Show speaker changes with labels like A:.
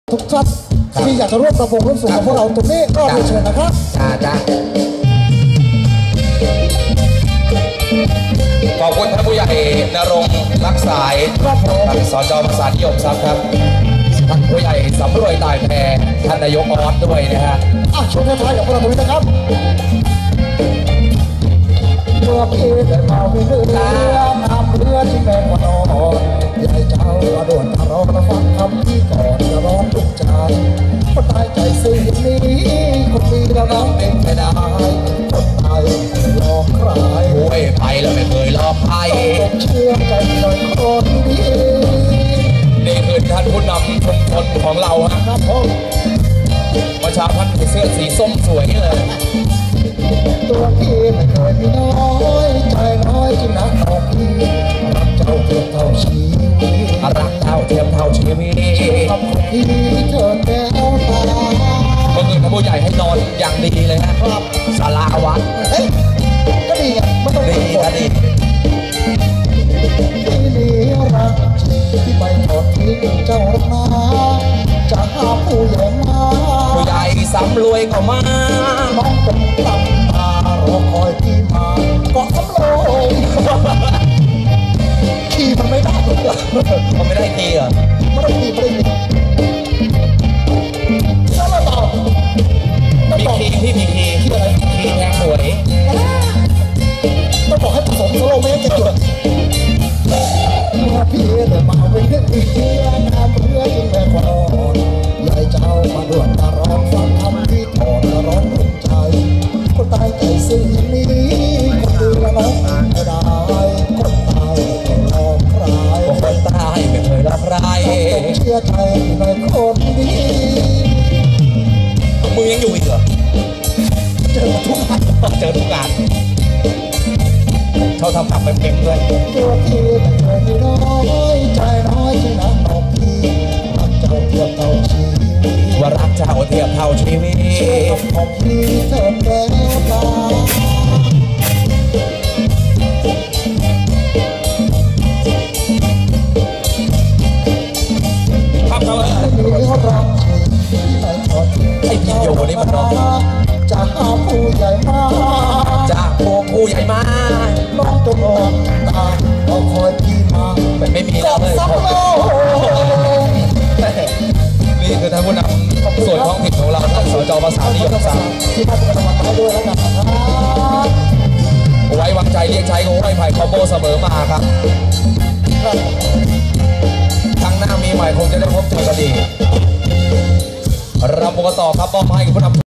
A: ทุกท่านที่อยากจะร่วมประวงร่วมสุขกับพวกเราตรงนี้ก็เรียนเชิญนะครับ
B: ขอบคุณท่านผู้ใหญ่ณรงค์รักสายท่านสจ.ภาษานิยมทรัพย์ครับท่านผู้ใหญ่สำรวยตายแพรท่านนายกออสด้วยนะฮะ
A: ช่วงท้ายๆของพวกเราตรงนี้นะครับเมื่อพี่ได้มาวิ่งเรือน้ำเรือที่แม่กว่านอนยายเจ้ากระโดดมารอมาฟังคำที่ก่อนจะร้องทุกใจคนตายใจสิ่งนี้คนดีแล้วน้องเป็นไม่ได้คนตายหลอกใคร
B: โอ้ยไปแล้วไม่เคยหลอกใคร
A: เชื่อใจหน่อยคนดี
B: นี่คือท่านผู้นำชุมชนของเราครับผมประชาพันธ์เสื้อสีส้มสวยเลย
A: ตัวพี่ไม่เคยมีน้อยใจน้อยที่นักของพี่รักเจ้าเทียมเท่าชีวิต
B: รักเจ้าเทียมเท่าชีวิต
A: ทำของพี่เถิดแล้วตา
B: เมื่อคืนท่านผู้ใหญ่ให้นอนอย่างดีเลยนะครับศาลาวัด
A: ก็ดีอ่ะไม่ต้อง
B: ดีก็ดี
A: ที่นี่รักที่ไปทอดทิ้งเจ้ารักนาจะหาผู้ใหญ่มา
B: ผู้ใหญ่สำรวยก็มา
A: น้องเป็นตำตารอคอยพี่มาเกาะสำโรงขี่มันไม่ได้
B: มันไม่ได้ขี่เหรอ
A: ไม่ได้ขี่แล้วเราต่อ
B: มีขี่ที่มีขี่
A: อะไร
B: ขี่แทงหวย
A: ต้องบอกให้ผสมสโลไม่ให้เกิดพี่เดินมาเป็นเพื่อนพี่น้ำเพื่อจึงแม่กว่านอนยายเจ้ามาด่วนมาร้องฟังคำที่ถอนร้องถูกใจคนตายใจสิ่งนี้คนดีละน้องไม่ได้คนตายไม่หลอกใคร
B: คนตายไม่เคยหลอกใคร
A: เชื่อใจในคนดี
B: มึงยังอยู่อีกเหรอ
A: เจอทุกงาน
B: เขาทำกับเป็นด้วย
A: ตัวพี่ไม่เคยมีน้อยใจน้อยที่นักของพี่รักเจ้าเทียบเท่าชีวิต
B: ว่ารักเจ้าเทียบเท่าชีวิต
A: ของพี่เถิดแล้วตา
B: ครับเขาเลยไอ้พี่โยนี่มันร้อง
A: จะหาผู้ใหญ่มา
B: จากผู้ใหญ่มา
A: น้องจงรอตาเราคอยพี่มา
B: ไม่มีแล้วเลยนี่คือท่านผู้นำส่วนท้องถิ่นของเราท่านสจ.ภาษานิยมทรัพย์
A: ที่มาเป็นกำลังใจด้วยแล้วกันนะครับ
B: ไว้วางใจเรียกใช้ของไม้ไผ่คอมโบเสมอมาครับครั้งหน้ามีใหม่คงจะได้พบเจอกันดีเราปกต่อครับมอบให้กับผู้นำ